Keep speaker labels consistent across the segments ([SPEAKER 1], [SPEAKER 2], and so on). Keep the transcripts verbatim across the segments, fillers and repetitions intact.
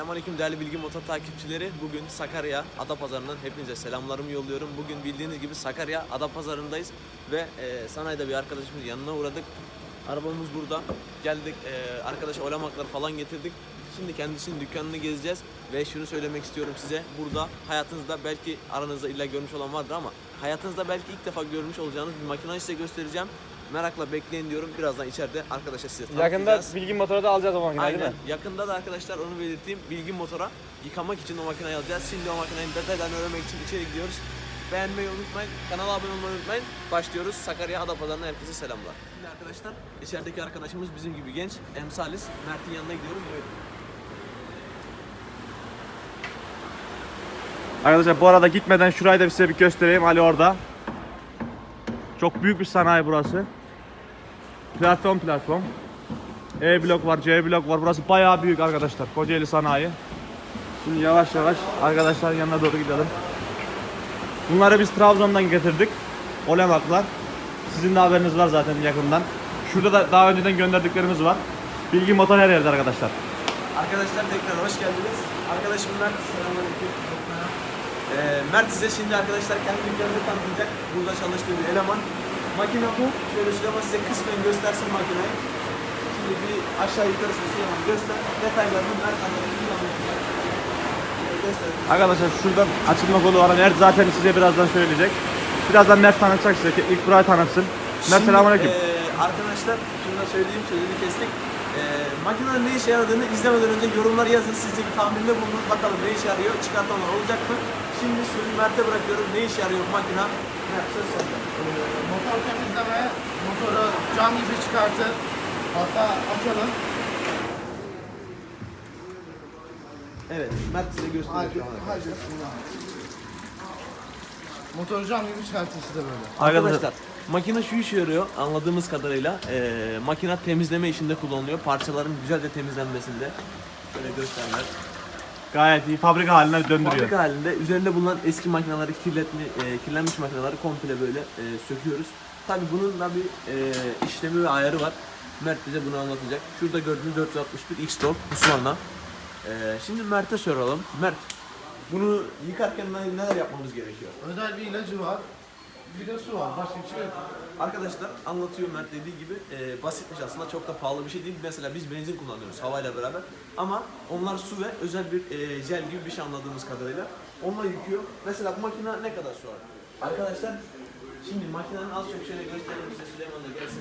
[SPEAKER 1] Selamünaleyküm değerli Bilgi Motor takipçileri. Bugün Sakarya Adapazarı'ndan hepinize selamlarımı yolluyorum. Bugün bildiğiniz gibi Sakarya Adapazarı'ndayız ve e, sanayide bir arkadaşımızın yanına uğradık. Arabamız burada. Geldik, e, arkadaşa olamakları falan getirdik. Şimdi kendisinin dükkanını gezeceğiz ve şunu söylemek istiyorum size. Burada hayatınızda belki aranızda illa görmüş olan vardır ama hayatınızda belki ilk defa görmüş olacağınız bir makinayı size göstereceğim. Merakla bekleyin diyorum. Birazdan içeride arkadaşa size tanıtacağız.
[SPEAKER 2] Yakında Bilgi Motor'a da alacağız o makineyi,
[SPEAKER 1] Aynen.
[SPEAKER 2] değil mi?
[SPEAKER 1] Yakında da arkadaşlar onu belirteyim. Bilgi Motor'a yıkamak için o makineyi alacağız. Şimdi o makinenin detaylarını öğrenmek için içeri gidiyoruz. Beğenmeyi unutmayın. Kanala abone olmayı unutmayın. Başlıyoruz. Sakarya Adapazarı'na herkese selamlar. Şimdi arkadaşlar içerideki arkadaşımız bizim gibi genç. Emsalis. Mert'in yanına gidiyorum. Buyurun.
[SPEAKER 2] Arkadaşlar bu arada gitmeden şurayı da size bir göstereyim. Ali orada. Çok büyük bir sanayi burası. Platform platform. E blok var, C blok var. Burası bayağı büyük arkadaşlar. Kocaeli sanayi. Şimdi yavaş yavaş arkadaşların yanına doğru gidelim. Bunları biz Trabzon'dan getirdik. Olemaklar. Sizin de haberiniz var zaten yakından. Şurada da daha önceden gönderdiklerimiz var. Bilgi Motor her yerde arkadaşlar.
[SPEAKER 1] Arkadaşlar tekrar hoş geldiniz. Arkadaşım Mert. Selamünaleyküm. Ee, Mert size şimdi arkadaşlar kendi dükkanını tanıtacak. Burada çalıştığı bir eleman. Makine bu. Şöyle Süleyman size kısmen göstersin makineyi. Şimdi bir aşağı yukarısını Süleyman göster. Detaylarını Mert anlatacak. Gösterin.
[SPEAKER 2] Arkadaşlar şuradan açılma kolu var. Mert zaten size birazdan söyleyecek. Birazdan Mert tanıtacak size. İlk burayı tanıtsın. Mert selamünaleyküm.
[SPEAKER 1] E, arkadaşlar şunu da söyleyeyim, sözünü kestik. E, makinenin ne işe yaradığını izlemeden önce yorumlar yazın. Siz de bir tahminde bulunun. Bakalım ne işe yarıyor, çıkartanlar olacak mı? Şimdi sözü Mert'e bırakıyorum. Ne işe yarıyor bu makine? Mert söz sende.
[SPEAKER 3] Motor temizleme, motoru cam gibi çıkartır. Hatta açalım.
[SPEAKER 1] Evet, Mert size
[SPEAKER 3] Hadi,
[SPEAKER 1] gösteriyor.
[SPEAKER 3] hadi. Motoru cam gibi çıkartır size böyle.
[SPEAKER 1] Arkadaşlar makine şu işe yarıyor anladığımız kadarıyla. E, makine temizleme işinde kullanılıyor. Parçaların güzelce temizlenmesinde. Şöyle gösterler.
[SPEAKER 2] Gayet iyi. Fabrika haline döndürüyor.
[SPEAKER 1] Fabrika halinde üzerinde bulunan eski makineleri, kirletmi, e, kirlenmiş makineleri komple böyle e, söküyoruz. Tabi bunun da bir e, işlemi ve ayarı var. Mert bize bunu anlatacak. Şurada gördüğünüz dört yüz altmış bir X-Top Husqvarna. E, şimdi Mert'e soralım. Mert, bunu yıkarken ne- neler yapmamız gerekiyor?
[SPEAKER 3] Özel bir ilacı var. Bir de su var. Başka bir şey yok.
[SPEAKER 1] Arkadaşlar anlatıyor Mert dediği gibi e, basitmiş aslında, çok da pahalı bir şey değil. Mesela biz benzin kullanıyoruz havayla beraber ama onlar su ve özel bir e, jel gibi bir şey anladığımız kadarıyla. Onunla yıkıyor. Mesela bu makine ne kadar su var? Arkadaşlar şimdi makinenin az çok şöyle gösterelim size, Süleyman da gelsin.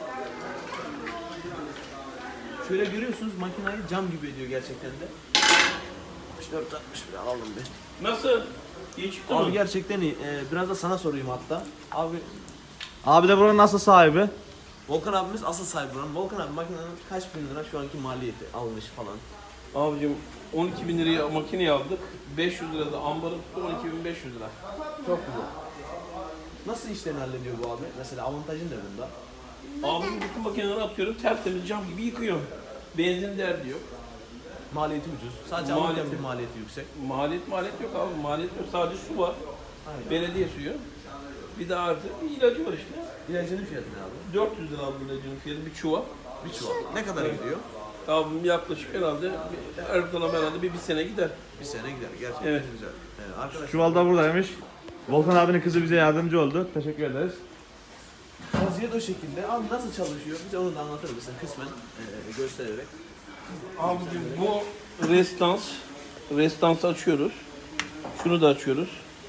[SPEAKER 1] Şöyle görüyorsunuz makinayı cam gibi ediyor gerçekten de. altmış dört altmış bir alalım bir.
[SPEAKER 4] Nasıl? İyi çıktı
[SPEAKER 1] Abi
[SPEAKER 4] mı?
[SPEAKER 1] gerçekten iyi. Ee, biraz da sana sorayım hatta. Abi
[SPEAKER 2] Abi de buranın nasıl sahibi?
[SPEAKER 1] Volkan abimiz asıl sahibi buranın. Volkan abi makinenin kaç bin lira şu anki maliyeti almış falan.
[SPEAKER 4] Abicim on iki bin liraya makineyi aldık. beş yüz lira da ambarı tuttu, on iki bin beş yüz lira.
[SPEAKER 1] Çok güzel. Nasıl işlerini hallediyor bu abi? Mesela avantajın ne bunda?
[SPEAKER 4] Abim bütün makineleri atıyorum, tertemiz cam gibi yıkıyor. Benzin derdi yok.
[SPEAKER 1] Maliyeti ucuz. Sadece
[SPEAKER 4] Maliyeti-
[SPEAKER 1] alırken bir maliyeti yüksek.
[SPEAKER 4] Maliyet maliyet yok abi, maliyet yok. Sadece su var.
[SPEAKER 1] Aynen.
[SPEAKER 4] Belediye suyu. Bir de artı bir ilacı var işte.
[SPEAKER 1] İlacının fiyatı ne abi?
[SPEAKER 4] dört yüz lira abi ilacının fiyatı, bir çuval.
[SPEAKER 1] Bir çuval. Ne kadar gidiyor?
[SPEAKER 4] Abim yaklaşık herhalde, bir- her ortalama herhalde bir, bir sene gider.
[SPEAKER 1] Bir sene gider. Gerçekten
[SPEAKER 4] Evet.
[SPEAKER 1] güzel. Ee, arkadaşlar
[SPEAKER 2] Çuval da buradaymış. Volkan abinin kızı bize yardımcı oldu. Teşekkür ederiz.
[SPEAKER 1] vaziyet o şekilde. Abi nasıl çalışıyor? Bize onu da anlatır mısın kısmen e, göstererek?
[SPEAKER 4] Abicim bu restans. Restansı açıyoruz. Şunu da açıyoruz.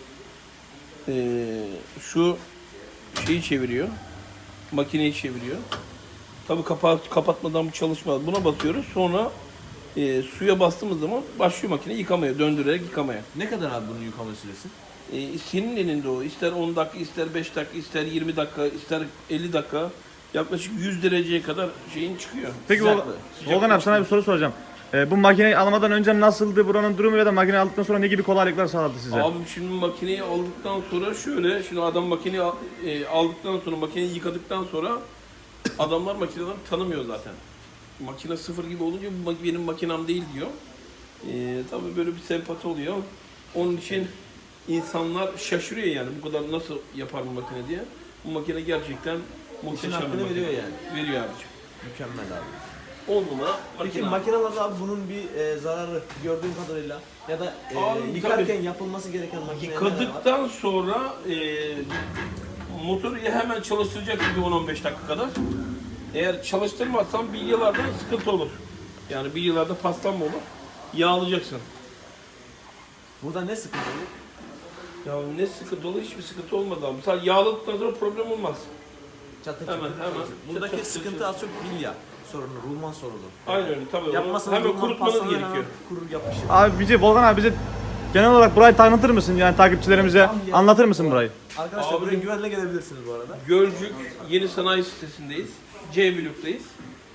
[SPEAKER 4] Ee, şu şeyi çeviriyor. Makineyi çeviriyor. Tabii kapağı kapatmadan bu çalışmaz. Buna basıyoruz. Sonra e, suya bastığımız zaman başlıyor makine yıkamaya, döndürerek yıkamaya.
[SPEAKER 1] Ne kadar abi bunun yıkama süresi?
[SPEAKER 4] E, senin elinde o. İster on dakika, ister beş dakika, ister yirmi dakika, ister elli dakika. Yaklaşık yüz dereceye kadar şeyin çıkıyor.
[SPEAKER 2] Peki
[SPEAKER 1] Sıcak
[SPEAKER 2] Vol-
[SPEAKER 1] mı?
[SPEAKER 2] Volkan abi sana bir soru soracağım. Ee, bu makineyi almadan önce nasıldı buranın durumu ya da makineyi aldıktan sonra ne gibi kolaylıklar sağladı size?
[SPEAKER 4] Abim şimdi makineyi aldıktan sonra şöyle, şimdi adam makineyi al- e, aldıktan sonra, makineyi yıkadıktan sonra adamlar makineleri tanımıyor zaten. Makine sıfır gibi olunca bu mak- benim makinem değil diyor. E, tabii böyle bir sempati oluyor. Onun için insanlar şaşırıyor yani bu kadar nasıl yapar bu makine diye. Bu makine gerçekten muhteşem bir
[SPEAKER 1] hakkını
[SPEAKER 4] makine.
[SPEAKER 1] veriyor yani.
[SPEAKER 4] Veriyor abicim.
[SPEAKER 1] Mükemmel abi.
[SPEAKER 4] on numara
[SPEAKER 1] Peki
[SPEAKER 4] makine.
[SPEAKER 1] makinelerde abi bunun bir e, zararı gördüğüm kadarıyla ya da e,
[SPEAKER 4] Abi,
[SPEAKER 1] yıkarken
[SPEAKER 4] tabii.
[SPEAKER 1] yapılması gereken makine neler var?
[SPEAKER 4] Yıkadıktan sonra e, motoru ya hemen çalıştıracaksın bir on on beş dakika kadar. Eğer çalıştırmazsan bilyalarda sıkıntı olur. Yani bilyalarda paslanma olur. Yağlayacaksın.
[SPEAKER 1] Burada ne sıkıntı olur?
[SPEAKER 4] Ya ne sıkıntı olur? Hiçbir sıkıntı olmadı abi. Sadece yağladıktan sonra problem olmaz.
[SPEAKER 1] Çatır
[SPEAKER 4] Hemen,
[SPEAKER 1] çatır
[SPEAKER 4] hemen.
[SPEAKER 1] çalışır. Buradaki
[SPEAKER 4] Çatır çatır
[SPEAKER 1] sıkıntı az çok bilya sorunu, rulman sorunu.
[SPEAKER 4] Aynen öyle tabii. Onu
[SPEAKER 1] Yapmasınız
[SPEAKER 4] hemen
[SPEAKER 1] rulman
[SPEAKER 4] kurutmanız
[SPEAKER 1] paslanır,
[SPEAKER 4] gerekiyor.
[SPEAKER 1] hemen kurur yapışır.
[SPEAKER 2] Abi bize Volkan abi bize genel olarak burayı tanıtır mısın? Yani takipçilerimize
[SPEAKER 1] Tamam ya.
[SPEAKER 2] anlatır mısın burayı?
[SPEAKER 1] Arkadaşlar
[SPEAKER 4] Abi-
[SPEAKER 1] buraya güvenle gelebilirsiniz bu arada.
[SPEAKER 4] Gölcük Yeni Sanayi Sitesi'ndeyiz. C bloktayız.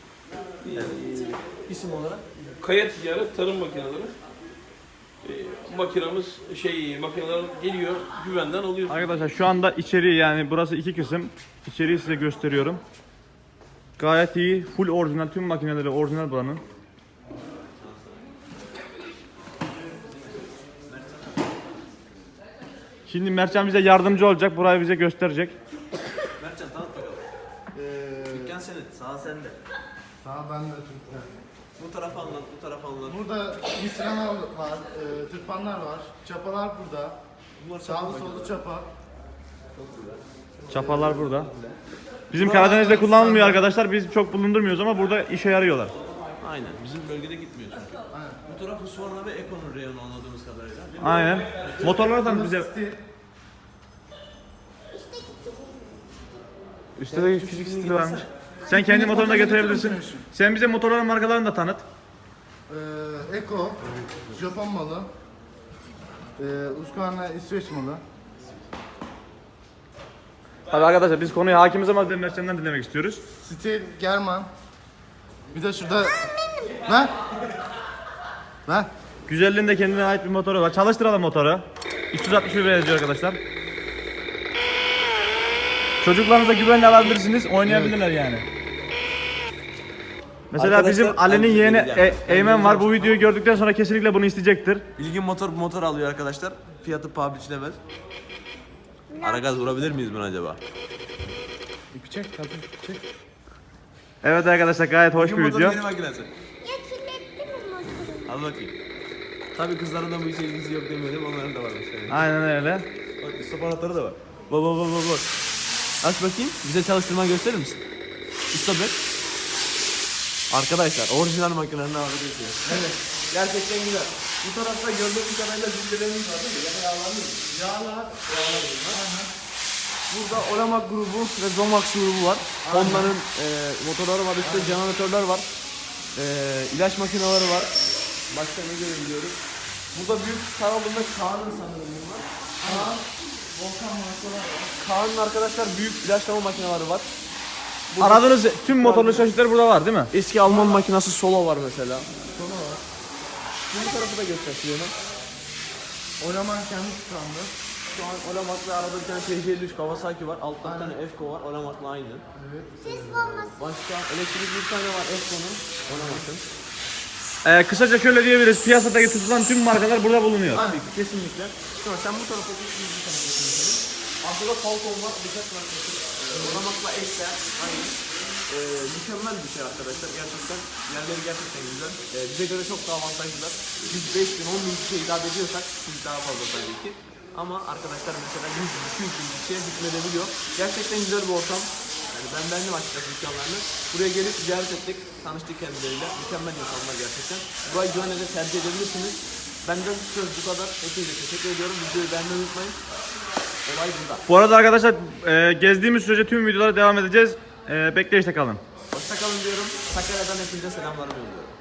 [SPEAKER 1] İsim olarak.
[SPEAKER 4] Kaya ticaret tarım makineleri. Ee, makinamız şey makineler geliyor güvenden alıyoruz.
[SPEAKER 2] Arkadaşlar şu anda içeriği yani burası iki kısım. İçeriği size gösteriyorum. Gayet iyi. Full orijinal. Tüm makineleri orijinal buranın. Şimdi Mertcan bize yardımcı olacak. Burayı bize gösterecek.
[SPEAKER 1] Mertcan tanıt bakalım.
[SPEAKER 3] Ee,
[SPEAKER 1] Dükkan senin, sağ sende.
[SPEAKER 3] sağ bende Türkler.
[SPEAKER 1] Bu tarafa anlat, bu tarafa anlat.
[SPEAKER 3] Burada misinalar var, e, tırpanlar var, çapalar burada.
[SPEAKER 1] Bunlar
[SPEAKER 3] Sağlı sollu çapa.
[SPEAKER 2] Çapalar burada. Bizim Karadeniz'de kullanılmıyor arkadaşlar. Biz çok bulundurmuyoruz ama burada işe yarıyorlar.
[SPEAKER 1] Aynen, bizim bölgede gitmiyor çünkü.
[SPEAKER 3] Aynen.
[SPEAKER 1] Bu tarafı Husqvarna ve Econ'un reyonu anladığımız kadarıyla. Değil mi?
[SPEAKER 2] Aynen. Motorları da bize...
[SPEAKER 3] Stil.
[SPEAKER 2] Üstte de küçük stili varmış. Sen kendi motorunu da getirebilirsin. Sen bize motorların markalarını da tanıt.
[SPEAKER 3] Ee, Eko, Japon malı. Ee, Husqvarna İsveç malı.
[SPEAKER 2] Tabii arkadaşlar biz konuya hakimiz ama Mertcan'dan dinlemek istiyoruz.
[SPEAKER 3] Stil, German. Bir de şurada... Ver. Ver.
[SPEAKER 2] Güzelliğinde kendine ait bir motoru var. Çalıştıralım motoru. üç yüz altmış bir yazıyor arkadaşlar. Çocuklarınıza güvenle alabilirsiniz. Oynayabilirler yani. Mesela
[SPEAKER 1] Arkadaşlar,
[SPEAKER 2] bizim Ali'nin
[SPEAKER 1] ben
[SPEAKER 2] yeğeni
[SPEAKER 1] bileceğim.
[SPEAKER 2] E- Eymen var. Bu videoyu gördükten sonra kesinlikle bunu isteyecektir.
[SPEAKER 1] Bilgin motor motor alıyor arkadaşlar. Fiyatı paha biçilemez. Ara gaz vurabilir miyiz buna acaba?
[SPEAKER 3] İpi çek, tabii ipi çek.
[SPEAKER 2] Evet arkadaşlar gayet hoş bir
[SPEAKER 1] Bilgin motorun
[SPEAKER 2] video.
[SPEAKER 1] yeni makinesi.
[SPEAKER 5] Ya kirletti mi motoru?
[SPEAKER 1] Al bakayım. Tabii kızların da bu işe ilgisi yok demiyorum, onların da var mesela.
[SPEAKER 2] Aynen öyle.
[SPEAKER 1] Bak stop anahtarı da var. Bak bak bak bak bak. Aç bakayım. Bize çalıştırma gösterir misin? Stop et. Arkadaşlar orijinal makinenin ağrıdığı Evet. Gerçekten güzel. Bu tarafta gördüğümüz kadarıyla zillerimiz var değil mi? Ya da yağlar mı? Yağlar. Yağlar bunlar. Burada Olamak grubu ve Zomax grubu var. Onların e, motorları var, üstte jeneratörler var. E, ilaç makineleri var. Başka ne görebiliyoruz? Burada büyük saralımda Kaan'ın sanırım bunlar. Kaan, Volkan markalar var. Kaan'ın arkadaşlar büyük ilaçlama makineleri var. Burada
[SPEAKER 2] Aradığınız tüm motorlu çeşitleri burada var değil mi?
[SPEAKER 1] eski Alman makinası Solo var mesela. Solo var. Bu tarafı da gösteriyorum.
[SPEAKER 3] Olaman kendi tıkandı.
[SPEAKER 1] Şu an Olamak'la arada bir tane T J elli üç Kawasaki var. Altta bir tane Efko var. Olamak'la aynı.
[SPEAKER 5] Ses bombası.
[SPEAKER 1] Başka elektrikli bir tane var Efko'nun. Olamak'ın.
[SPEAKER 2] Ee, kısaca şöyle diyebiliriz. Piyasadaki tutulan tüm markalar burada bulunuyor.
[SPEAKER 1] Tabii ki kesinlikle. Şimdi sen bu tarafa git, biz bu tarafa geçelim. Arkada Falcon var, bıçak var. Olamak'la eşler, aynı. Ee, mükemmel bir şey arkadaşlar. Gerçekten yerleri gerçekten güzel. Ee, bize göre çok daha avantajlılar. Biz beş bin, on bin kişiye hitap ediyorsak siz daha fazla tabii ki. Ama arkadaşlar mesela yüz bin, iki yüz bin kişiye hükmedebiliyor. Gerçekten güzel bir ortam. Yani ben beğendim açıkçası dükkanlarını. Buraya gelip ziyaret ettik, tanıştık kendileriyle. Mükemmel insanlar gerçekten. Burayı güvenle de tercih edebilirsiniz. Benden söz bu kadar. Hepinize teşekkür ediyorum. Videoyu beğenmeyi unutmayın. Olay burada.
[SPEAKER 2] Bu arada arkadaşlar e, gezdiğimiz sürece tüm videolara devam edeceğiz. E, bekleyişte kalın.
[SPEAKER 1] Hoşça kalın diyorum. Sakarya'dan hepinize selamlarımı yolluyorum.